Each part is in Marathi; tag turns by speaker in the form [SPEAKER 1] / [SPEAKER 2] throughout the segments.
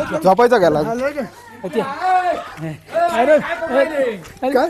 [SPEAKER 1] झोपायचं गेला काय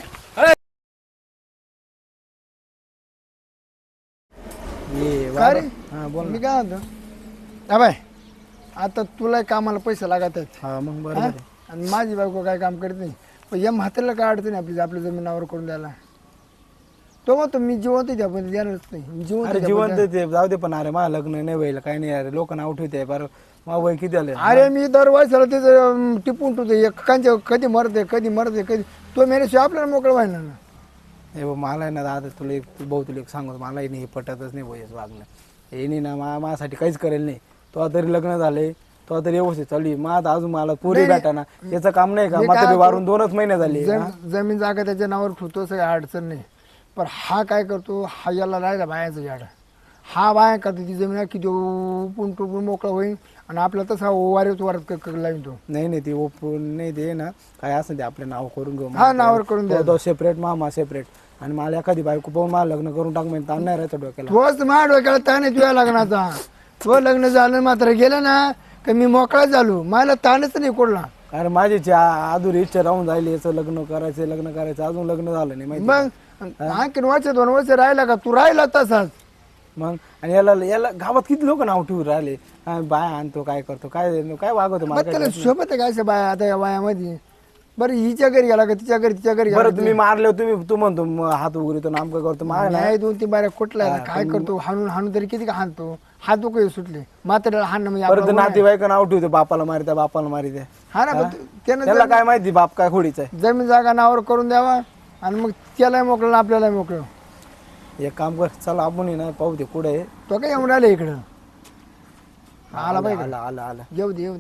[SPEAKER 2] काय रे?
[SPEAKER 1] हा बोल
[SPEAKER 2] मी काय म्हणतो हा बाय आता तुला कामाला पैसे लागत आहेत
[SPEAKER 1] हा मग
[SPEAKER 2] हा?
[SPEAKER 1] बरोबर आहे.
[SPEAKER 2] आणि माझी बायको काय काम करत नाही पण या म्हाताऱ्याला काय अडचण आहे आपल्या जमिनावर करून द्यायला तो म्हणतो मी जिवंत आहे आपण देणारच नाही मी जिवंत
[SPEAKER 1] अरे
[SPEAKER 2] आहे
[SPEAKER 1] जिवंत
[SPEAKER 2] आपण
[SPEAKER 1] ते जाऊ दे पण अरे मला लग्न नाही व्हायला काही नाही अरे लोक नाव ठेवते बरं मग वय किती आले
[SPEAKER 2] अरे मी दरवर्षाला त्याचं टिपून ठेवतो एकांच्या कधी मरते कधी तो मेल्याशिवाय आपल्याला मोकळं व्हायला ना
[SPEAKER 1] हे बघ मला आहे ना दादा तुला एक भाऊ तुला एक सांगतो मला नाही हे पटतच नाही भोयच वागणं हे नाही ना माझ्यासाठी काहीच करेल नाही तो तरी लग्न झाले तो तरी व्यवस्थित चालू आहे. मग आता अजून मला पुरी भेटा ना याचं काम नाही का
[SPEAKER 2] मी
[SPEAKER 1] मग
[SPEAKER 2] काय
[SPEAKER 1] तरी वारून 2च महिने झाले
[SPEAKER 2] जमीन जागा त्याच्या नावावर ठेवतो सगळी अडचण नाही पण हा काय करतो हा याला राहिला बायाचं झाड हा बाया करतो ती जमीन किती उपून टुपून मोकळा होईल आणि आपला तसा वारेच वारत लावीन तो
[SPEAKER 1] नाही ते ओपून नाही दे ना काय असं ते आपलं नाव करून घेऊ
[SPEAKER 2] हा नावावर करून द्या
[SPEAKER 1] तो सेपरेट मामा सेपरेट आणि मला एखादी बायको पाहून मला लग्न करून टाक म्हणजे ताण नाही राहायचं डोक्याला
[SPEAKER 2] तोच माझ्या डोक्याला ताण आहे तुझ्या लग्नाचा तो लग्न झालं मात्र गेलं ना का मी मोकळा झालो मला ताणच नाही कोडला
[SPEAKER 1] अरे माझी अधुरी इच्छा राहून जायली याचं लग्न करायचं अजून लग्न झालं नाही माहिती
[SPEAKER 2] मग आणखीन 2 वर्ष राहिला का तू राहिला तसाच
[SPEAKER 1] मग आणि याला गावात किती लोक नाव ठेवून राहिले बाय आणतो काय करतो काय वागवतो
[SPEAKER 2] मग त्याला शोभत आहे काय बाया आता या वयामध्ये बरं हिच्या घरी गेला का तिच्या घरी
[SPEAKER 1] बरं तुम्ही मारले तू म्हणतो हात उघडतो नामकं करतो
[SPEAKER 2] नाही 2-3 बाऱ्या कुठला काय करतो हाणून तरी किती का हाणतो हात काही सुटले मात्र हाणणं म्हणजे
[SPEAKER 1] परत नातेवाईक नाव ठेवतो बापाला मारित्या
[SPEAKER 2] हा ना त्यानं
[SPEAKER 1] त्याला काय माहिती बाप काय खोडीचा आहे
[SPEAKER 2] जमीन जागा नावावर करून द्यावा आणि मग त्यालाही मोकळं आपल्याला मोकळं
[SPEAKER 1] एक काम कर चला आपण ना पाहू दे कुठे आहे
[SPEAKER 2] तो काय येऊन राहिले इकडं आला पाहिजे
[SPEAKER 1] आला
[SPEAKER 2] येऊ दे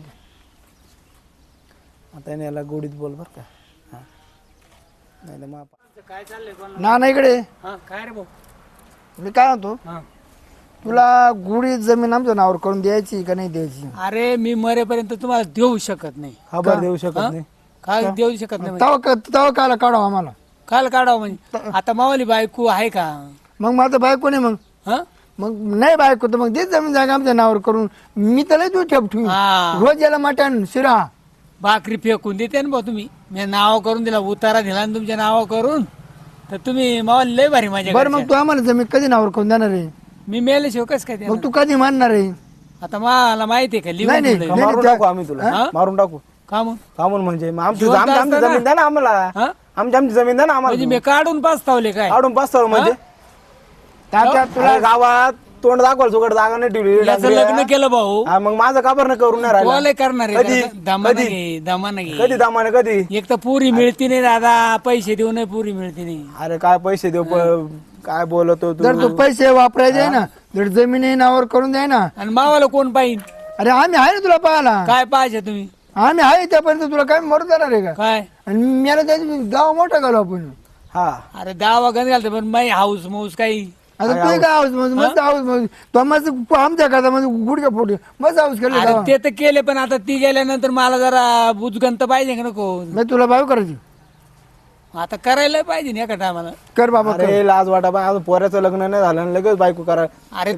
[SPEAKER 1] आता याला गोडीत बोल बर का हा नाही तर मग
[SPEAKER 3] काय चाललंय
[SPEAKER 2] ना इकडे
[SPEAKER 3] काय रे भाऊ
[SPEAKER 2] मी काय म्हणतो तुला गुढी जमीन आमच्या नावावर करून द्यायची का नाही द्यायची
[SPEAKER 3] अरे मी मरेपर्यंत तुम्हाला देऊ शकत नाही
[SPEAKER 1] खबर देऊ शकत नाही
[SPEAKER 3] काय देऊ शकत नाही
[SPEAKER 2] तवा काला काढावं आम्हाला
[SPEAKER 3] काल काढावं म्हणजे आता मावाली बायको आहे का
[SPEAKER 2] मग माझं बायको नाही
[SPEAKER 3] हा
[SPEAKER 2] मग नाही बायको तर मग देच जमीन जागा आमच्या नावावर करून मी त्याला तू ठेव
[SPEAKER 3] हा.
[SPEAKER 2] रोज याला मटण शिरा
[SPEAKER 3] भाकरी फेकून देते ना भाऊ तुम्ही मी नाव करून दिला उतारा दिला ना तुमच्या नाव करून तर तुम्ही मावाली लय भारी माझ्या
[SPEAKER 2] बरं मग तू आम्हाला जमीन कधी नावावर करून देणार आहे
[SPEAKER 3] मी मेल्याशिवाय कस काय
[SPEAKER 2] मग तू कधी मानणार आहे
[SPEAKER 3] आता मला माहिती आहे का लिहून
[SPEAKER 2] नाही,
[SPEAKER 3] ठेवलंय.
[SPEAKER 1] मारून टाकू आम्ही तुला मारून टाकू
[SPEAKER 3] का मग
[SPEAKER 1] का म्हणून म्हणजे मग आमची
[SPEAKER 3] जिवंत
[SPEAKER 1] आमची
[SPEAKER 3] असताना?
[SPEAKER 1] जमीन द्या ना आम्हाला
[SPEAKER 3] हा?
[SPEAKER 1] आमची जमीन द्या ना
[SPEAKER 3] म्हणजे
[SPEAKER 1] आम्हाला
[SPEAKER 3] मी काढून पाचतावले काय
[SPEAKER 1] काढून पाच म्हणजे
[SPEAKER 2] तात्या तुला
[SPEAKER 1] अरे गावात तोंड दाखवाल सुकट जागा नाही ठेवली
[SPEAKER 3] याचं लग्न केलं भाऊ
[SPEAKER 1] हा, मग माझं काबर न करून नाही राहिला
[SPEAKER 3] तुला करणार
[SPEAKER 1] कधी?
[SPEAKER 3] आहे दमानं घे दमानं घे
[SPEAKER 1] कधी दामाने कधी
[SPEAKER 3] एक तर पुरी मिळती नाही दादा पैसे देऊ नाही पुरी मिळती नाही
[SPEAKER 1] अरे काय पैसे देऊ काय बोलतो तू
[SPEAKER 2] जर तू पैसे वापरायचे आहे ना जर जमीन नावावर करून द्याय ना
[SPEAKER 3] आणि मावाला कोण पाहिजे
[SPEAKER 2] अरे आम्ही आहे ना तुला पाहायला
[SPEAKER 3] काय पाहिजे तुम्ही
[SPEAKER 2] आम्ही आहे त्यापर्यंत तुला काय मरू देणार आहे का
[SPEAKER 3] काय
[SPEAKER 2] आणि मला त्याची गाव मोठा घालू आपण
[SPEAKER 1] हा
[SPEAKER 3] अरे दावा गण घालतो पण माई हाऊस माऊस काही
[SPEAKER 2] आता तू काय हाऊस मस्त हाऊस तो मस्त आमच्या करता म्हणजे गुडघ्या फोटे मस्त हाऊस केलं
[SPEAKER 3] अरे ते तर केले पण आता ती गेल्यानंतर मला जरा बुजगंत पाहिजे का नको
[SPEAKER 2] मी तुला भाव करायची
[SPEAKER 3] आता करायला पाहिजे ना एका टायमाला
[SPEAKER 2] कर बाबा कर.
[SPEAKER 1] अरे लाज वाटा बा अजून पोऱ्याचं लग्न नाही झालं आणि लगेच बायको करा
[SPEAKER 3] अरे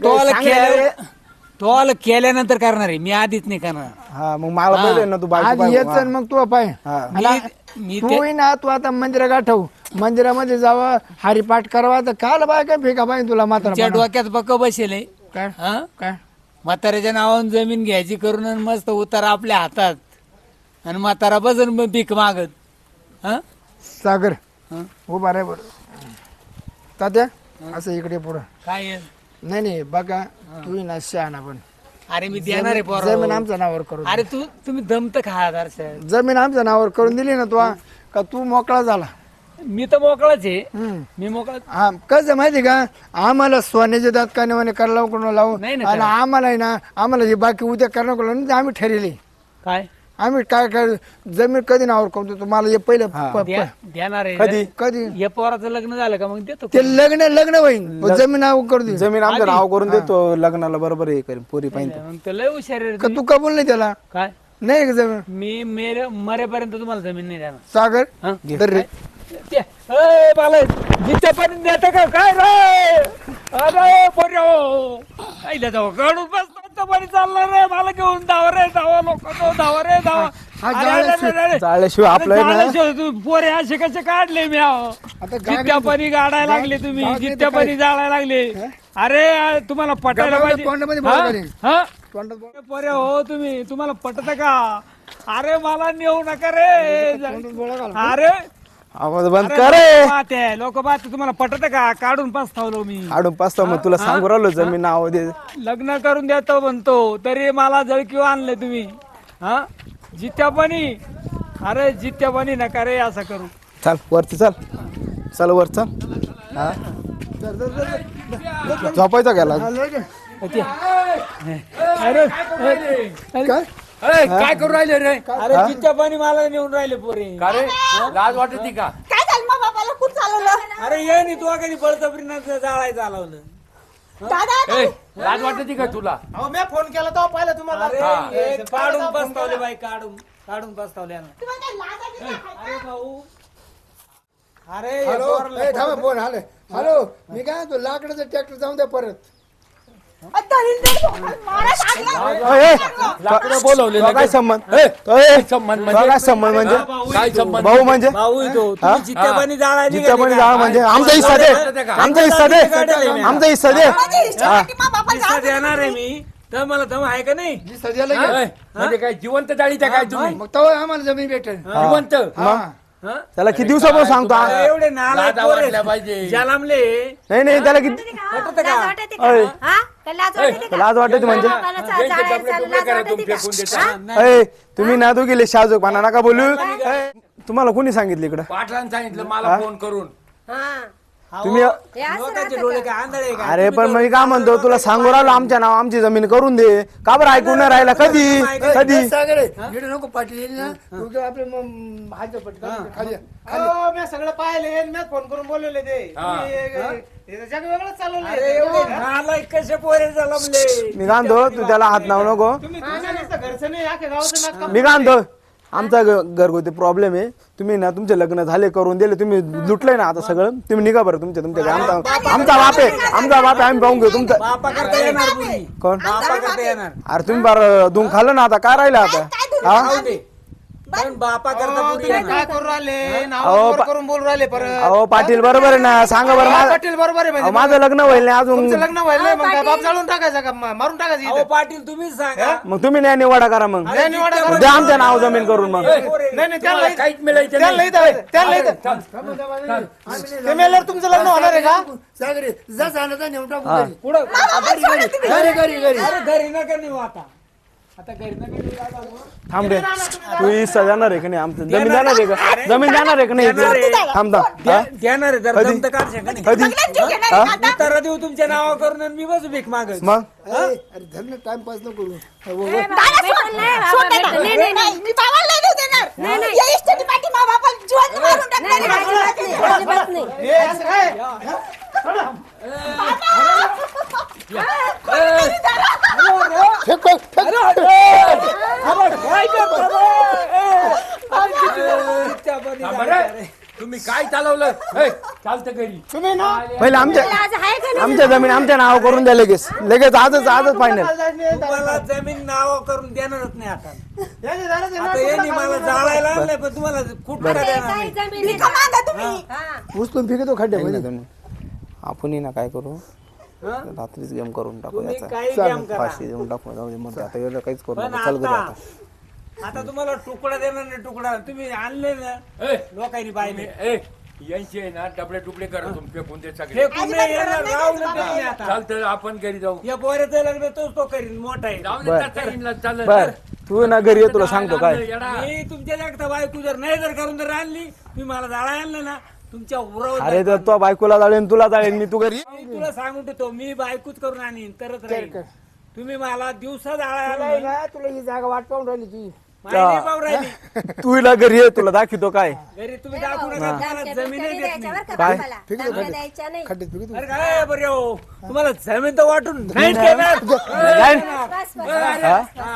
[SPEAKER 3] तो केल्यानंतर करणार आहे मी आधीच नाही करणार
[SPEAKER 1] हा मग मला पहिले ना तू
[SPEAKER 2] आज
[SPEAKER 1] बायको
[SPEAKER 2] येच आणि मग तू पाय
[SPEAKER 1] हा.
[SPEAKER 3] मी
[SPEAKER 2] तू ना तू आता मंदिरा गाठव मंदिरामध्ये जावं हरिपाठ करावा तर काल बाय काय फेका पाहिजे तुला मात्र
[SPEAKER 3] तिच्या डोक्यात पक्क बसेल आहे.
[SPEAKER 2] काय
[SPEAKER 3] हा
[SPEAKER 2] काय
[SPEAKER 3] म्हाताऱ्याच्या नावानं जमीन घ्यायची करून आणि मस्त उतारा आपल्या हातात आणि म्हातारा बसन भीक मागत हा
[SPEAKER 2] सागर
[SPEAKER 3] हा?
[SPEAKER 2] उभा रे बरं तात्या असं इकडे पुढं
[SPEAKER 3] काय आहे?
[SPEAKER 2] नाही बघा तू ना शहाणा पण
[SPEAKER 3] अरे मी देणार आहे पोरं.
[SPEAKER 2] जमीन आमच्या नावावर करून
[SPEAKER 3] अरे तुम्ही दमत खा दर्शन
[SPEAKER 2] जमीन आमच्या नावावर करून दिली ना तू का तू मोकळा झाला
[SPEAKER 3] मी तर मोकळाच आहे
[SPEAKER 2] हम्म.
[SPEAKER 3] मी मोकळा
[SPEAKER 2] हा कसं माहिती का आम्हाला सोन्याचे दात कानेवाने करायला कोण लावून
[SPEAKER 3] नाही ना
[SPEAKER 2] आणि आम्हाला आहे ना आम्हाला हे बाकी उद्या करणार कोण आम्ही ठरले
[SPEAKER 3] काय
[SPEAKER 2] आम्ही काय काय जमीन कधी नावावर करतो तुम्हाला हे पहिलं
[SPEAKER 3] देणार आहे
[SPEAKER 1] कधी
[SPEAKER 2] कधी
[SPEAKER 3] या पोराचं लग्न झालं का मग देतो
[SPEAKER 2] ते लग्न होईल जमीन नाव करू दे
[SPEAKER 1] जमीन आमचं नाव करून देतो लग्नाला बरोबर हे करेन पोरी पाहिजे
[SPEAKER 3] मग तर लय हुशार आहे रे
[SPEAKER 2] का
[SPEAKER 3] तुम्ही.
[SPEAKER 2] तू कबूल नाही त्याला
[SPEAKER 3] काय
[SPEAKER 2] नाही का जमीन
[SPEAKER 3] मी मरेपर्यंत तुम्हाला जमीन नाही देणार
[SPEAKER 2] सागर
[SPEAKER 3] हा?
[SPEAKER 2] धर रे
[SPEAKER 3] जिथपर्यंत देते का काय रे अरे पोर्यो आईला जाऊ काढून बसतो जिथं पाणी चाललं रे मला घेऊन धावा रे धावा लोक धावा रे धावा
[SPEAKER 2] हा
[SPEAKER 3] अरे, अरे, अरे, अरे.
[SPEAKER 1] जाळल्याशिवाय आपलं आहे ना-
[SPEAKER 3] जाळल्याशिवाय तू पोरे असे कसे काढले मी
[SPEAKER 2] आता
[SPEAKER 3] जित्या पाणी गाडायला लागले तुम्ही
[SPEAKER 2] गावात नाही
[SPEAKER 3] जित्या
[SPEAKER 2] तर
[SPEAKER 3] पाणी जाळायला लागले अरे तुम्हाला पटायला
[SPEAKER 2] गावाला
[SPEAKER 3] पाहिजे
[SPEAKER 2] तोंडामध्ये बोल
[SPEAKER 3] हा?
[SPEAKER 2] करेन.
[SPEAKER 3] हा?
[SPEAKER 2] तोंडात बोल.
[SPEAKER 3] पोरे हो तुम्ही तुम्हाला पटत का अरे मला नेऊ नका रे
[SPEAKER 2] तोंडात बोळा घाल.
[SPEAKER 3] अरे
[SPEAKER 1] आवाज बंद कर रे.
[SPEAKER 3] लोक पाहते तुम्हाला पटत का काढून पस्तावलो मी
[SPEAKER 1] आडून पाचता मग तुला सांगू राहिलो जमीन नाव दे.
[SPEAKER 3] लग्न करून देतो म्हणतो तरी मला जळकीव आणले तुम्ही हा जित्या पाणी अरे जित्या पाणी नका रे असं करू
[SPEAKER 1] चल वरती चल चल वर चल हा झोपायचा गेला
[SPEAKER 2] हा, लय गे.
[SPEAKER 3] अरे
[SPEAKER 2] काय
[SPEAKER 4] काय करू राहिले रे
[SPEAKER 3] अरे जित्या पाणी मला नेऊन राहिले पोरे
[SPEAKER 4] का रे लाज वाटत का
[SPEAKER 5] काय झालं मग बाबाला खूप चालवलं
[SPEAKER 3] अरे ये नी तू कधी बळजबरीनं जाळायचं चालवलं
[SPEAKER 5] दादा
[SPEAKER 4] ए, लाज वाटत का तुला
[SPEAKER 1] मी फोन केला तो पाहिलं तुम्हाला
[SPEAKER 3] अरे हे काढून पस्तावले बाई काढून पस्तावले ना.
[SPEAKER 5] तुम्हाला काय लाज आहे का?
[SPEAKER 3] अरे भाऊ अरे हे
[SPEAKER 2] हॅलो
[SPEAKER 3] पोराला-
[SPEAKER 2] ए, थांबा फोन आले हॅलो मी काय तो लाकडाचं ट्रॅक्टर जाऊन द्या परत
[SPEAKER 5] मारत आणलं.
[SPEAKER 4] लाकडं बोलवले
[SPEAKER 1] काय
[SPEAKER 4] लगेच.
[SPEAKER 1] संबंध
[SPEAKER 4] ए,
[SPEAKER 1] तो ए,
[SPEAKER 4] संबंध
[SPEAKER 1] तो
[SPEAKER 4] म्हणजे
[SPEAKER 1] काय संबंध म्हणजे
[SPEAKER 4] काय संबंध
[SPEAKER 1] भाऊ म्हणजे
[SPEAKER 3] भाऊ येतो तुम्ही जित्या पाणी जाळायला
[SPEAKER 1] जिथं पण
[SPEAKER 3] निघाले
[SPEAKER 1] जाळ
[SPEAKER 3] का?
[SPEAKER 1] म्हणजे आमचा हिस्सा दे आमचा हिस्सा दे आमचा हिस्सा दे
[SPEAKER 5] माझ्या इष्टासाठी मग बाबाला
[SPEAKER 3] हिस्सा
[SPEAKER 5] जाऊ दे.
[SPEAKER 3] देणार आहे मी तर मला दम आहे का नाही
[SPEAKER 2] जी सध्याला
[SPEAKER 4] हा?
[SPEAKER 2] घे.
[SPEAKER 4] म्हणजे काय जिवंत जाळीच्या काय तुम्ही
[SPEAKER 2] मग तेव्हा आम्हाला जमीन भेटेल
[SPEAKER 4] जिवंत
[SPEAKER 2] हा
[SPEAKER 3] हा?
[SPEAKER 1] त्याला किती दिवसापासून सांगतो
[SPEAKER 3] अरे एवढे नालायक
[SPEAKER 4] लाजा
[SPEAKER 3] पोरं
[SPEAKER 4] वाटल्या पाहिजे.
[SPEAKER 3] जलामले
[SPEAKER 1] नाही नाही त्याला किती
[SPEAKER 3] पटत का
[SPEAKER 1] अय,
[SPEAKER 5] लाज वाटते का?
[SPEAKER 1] लाज वाटते म्हणजे
[SPEAKER 4] यांचे डबले डुबले करा तुम्ही फेकून देता
[SPEAKER 1] अय, तुम्ही ना तू गेले शाजूकपणा नका बोलू अय, तुम्हाला कोणी सांगितलं इकडं
[SPEAKER 4] पाटलांनी सांगितलं मला फोन करून
[SPEAKER 1] तुम्ही
[SPEAKER 3] लोकांचे डोळे काय आंधळे आहे का?
[SPEAKER 1] अरे पण मी काय म्हणतो तुला सांगू राहिलो आमच्या नाव आमची जमीन करून दे का बरं ऐकून नाही राहिला कधी कधी
[SPEAKER 2] सागर इकडे नको पाटील येईल ना तू काय आपले मग हात पटका खाली
[SPEAKER 1] मी सगळं पाहिले मी फोन करून बोलवले ते जग वेगळंच चालवलं
[SPEAKER 3] अरे एवढे नालायक कसे पोरे जलमले
[SPEAKER 1] मी गांधो तू त्याला हात लावू नको
[SPEAKER 2] घरचं नाही आखे गावाचं
[SPEAKER 1] मी गांधो आमचा घरगुती प्रॉब्लेम आहे तुम्ही ना तुमचे लग्न झाले करून दिले तुम्ही लुटलंय ना आता सगळं तुम्ही निघा बरं तुमच्या तुमच्या आमचा बाप आहे आम्ही पाहून घेऊ तुमचं
[SPEAKER 3] बापा करता येणार पुरी
[SPEAKER 1] कोण
[SPEAKER 3] बापा करता येणार
[SPEAKER 1] अरे तुम्ही बरं धुवून खाल्लं ना आता काय राहिलं आता हा
[SPEAKER 3] खाऊ दे पण बापा करता पुरी येणार
[SPEAKER 1] करून राहिले करून बोलू राहिले अहो पाटील बरोबर आहे ना सांगा बरं पाटील बरोबर आहे माझं लग्न होईल नाही अजून
[SPEAKER 5] लग्न व्हायला मग काय बाप जाळून
[SPEAKER 3] अहो पाटील तुम्हीच सांगा
[SPEAKER 1] मग तुम्ही न्याय निवाडा करा मग द्या आमच्या नाव जमीन करून मग
[SPEAKER 4] तुम्हाला काहीच मिळायचं नाही.
[SPEAKER 1] तुमचं लग्न होणार आहे का
[SPEAKER 2] सागर जा जाण्याचा नेऊन टाकू घरी.
[SPEAKER 3] पुढं
[SPEAKER 2] घरी घरी घरी
[SPEAKER 3] अरे घरी नका नेऊ आता घरी नका नेऊ आता.
[SPEAKER 1] थांब रे तू हिस्सा जाणार आहे का नाही आमचं जमीन जाणार आहे का जमीन जाणार आहे का नाही थांब थांब हा?
[SPEAKER 3] देणार आहे जर
[SPEAKER 1] कधी?
[SPEAKER 3] दम तर काढ शका नाही
[SPEAKER 1] कधी
[SPEAKER 5] जीव घेणार आहे का आता?
[SPEAKER 3] तर देऊ तुमच्या नावा करून आणि मी बसू भीक मागत
[SPEAKER 1] मग
[SPEAKER 2] अरे धरण टाइमपास नको करू
[SPEAKER 5] दादा सोड दादा. नाही, मी बाबाला नाही देऊ देणार. या इष्टाची पाठी मा बापाला जिवंत मारून टाकणार आहे.
[SPEAKER 2] फेक, फेक, फेक.
[SPEAKER 4] थांबा रे. तुम्ही काय चालवलं ए, चालतं घरी
[SPEAKER 1] पहिले आमच्या जमीन आमच्या नाव करून द्या लगेच लगेच आजच फायनल
[SPEAKER 3] तुम्हाला जमीन नाव करून देणारच नाही आता यांनी मला जाळायला आणलंय पण तुम्हाला कुठं देणार नाही
[SPEAKER 5] भिका मागा तुम्ही.
[SPEAKER 2] उचलून फेकतो खड्ड्यामध्ये
[SPEAKER 1] आपण ना काय करू रात्रीच गेम करून टाकू
[SPEAKER 3] तुम्ही
[SPEAKER 1] याचा
[SPEAKER 3] काही काम करा
[SPEAKER 1] फाशी देऊन टाकू जाऊ दे मग आता एवढं काहीच करू
[SPEAKER 3] पण
[SPEAKER 1] नका चल घरी
[SPEAKER 3] आता
[SPEAKER 1] आता
[SPEAKER 3] आता तुम्हाला तुकडा देणार नाही तुकडा तुम्ही आणले ना
[SPEAKER 4] ए,
[SPEAKER 3] लोकांनी पाहिले
[SPEAKER 4] ए, यांचे आहे ना डबडे टुकडे करा तुम्ही फेकून दे सगळे
[SPEAKER 3] फेकून नाही येणार, राहू नका तुम्ही आता
[SPEAKER 4] चालतं आपण घरी जाऊ
[SPEAKER 3] या पोऱ्याचं लग्न तोच तो करीन मोठा आहे
[SPEAKER 4] जाऊ दे त्या ताईंना, चालेल.
[SPEAKER 1] बर तू ना घरी ये तुला सांगतो काय
[SPEAKER 4] येडा.
[SPEAKER 3] मी तुमच्या जागता बायको जर नाही जर करून जर आणली मी मला जाळा आणलं ना तुमच्या उरावर
[SPEAKER 1] अरे तर तो बायकोला जाळेन तुला जाळेन मी तू घरी
[SPEAKER 3] मी तुला सांगून देतो मी बायकोच करून आणीन तरच राहील तुम्ही मला दिवसा जाळा आणला
[SPEAKER 2] तुला ही जागा वाट पाहून राहिली ती
[SPEAKER 3] माहिती पाहू राहिली
[SPEAKER 1] तू हिला घरी ये तुला दाखवतो काय
[SPEAKER 3] घरी तुम्ही दाखवू नका तुम्हाला जमीनच देत नाही
[SPEAKER 1] काय
[SPEAKER 2] खड्ड्यात फेकतो
[SPEAKER 3] अरे काय बरे हो तुम्हाला जमीन तर वाटून नाही देणार.
[SPEAKER 1] जाईन.
[SPEAKER 3] हा.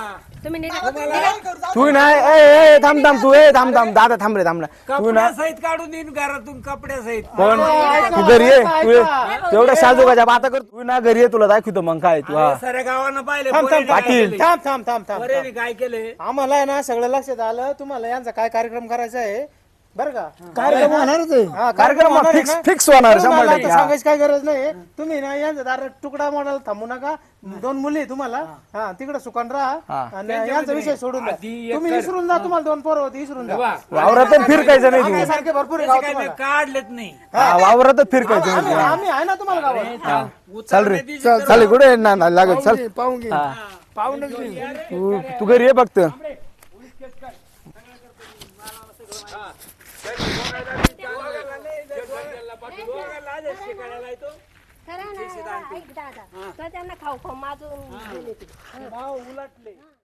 [SPEAKER 5] तुम्ही निघा.
[SPEAKER 1] तू नाही ए थांब थांब तू थांब दादा थांब रे थांब ना तू ना
[SPEAKER 3] कपड्यासहित काढून देईन घरातून कपड्यासहित.
[SPEAKER 1] पण तू घरी ये तू ये तेवढ्या साजूकाच्या बाता कर तू ना घरी ये तुला दाखवतो मग काय तू हा
[SPEAKER 3] साऱ्या गावानं पाहिले
[SPEAKER 1] पाटील
[SPEAKER 3] पोरेने काय केले.
[SPEAKER 6] आम्हाला आहे ना सगळं लक्षात आलं तुम्हाला यांचा काय कार्यक्रम करायचा आहे बरं का
[SPEAKER 2] कार्यक्रम होणारच आहे.
[SPEAKER 6] हा,
[SPEAKER 1] कार्यक्रम
[SPEAKER 6] होणार आहे
[SPEAKER 1] फिक्स
[SPEAKER 6] ना?
[SPEAKER 1] फिक्स होणार
[SPEAKER 6] तुम्हाला
[SPEAKER 1] 100%
[SPEAKER 6] आता
[SPEAKER 1] हा.
[SPEAKER 6] सांगायची काय गरज नाही तुम्ही ना यांचा दार तुकडा मोडायला थांबू नका 2 मुली आहे तुम्हाला हा तिकडे सुकान राहा आणि यांचा विषय सोडून द्या
[SPEAKER 3] आधी एक
[SPEAKER 6] तुम्ही विसरून जा तुम्हाला 2 पोरं होती विसरून जा
[SPEAKER 1] वावरातच फिरकायचं नाही
[SPEAKER 6] आम्ही
[SPEAKER 1] तू
[SPEAKER 6] सारखे भरपूर आहे गावात
[SPEAKER 3] काय
[SPEAKER 6] तुम्हाला.
[SPEAKER 3] काढलेत नाही.
[SPEAKER 1] हा, वावरातच फिरकायचं नाही
[SPEAKER 6] आम्ही
[SPEAKER 1] तू.
[SPEAKER 6] आम्ही आहे ना तुम्हाला गावात
[SPEAKER 1] चल रे चल कुठे ना लागत चल
[SPEAKER 2] पाहून घे
[SPEAKER 1] हा.
[SPEAKER 2] पाहूनच घे.
[SPEAKER 1] तू घरी ये फक्त
[SPEAKER 5] खरं ना, ऐक दादा तर त्यांना खाऊ खाऊ माझून गेले ते.
[SPEAKER 3] उलटले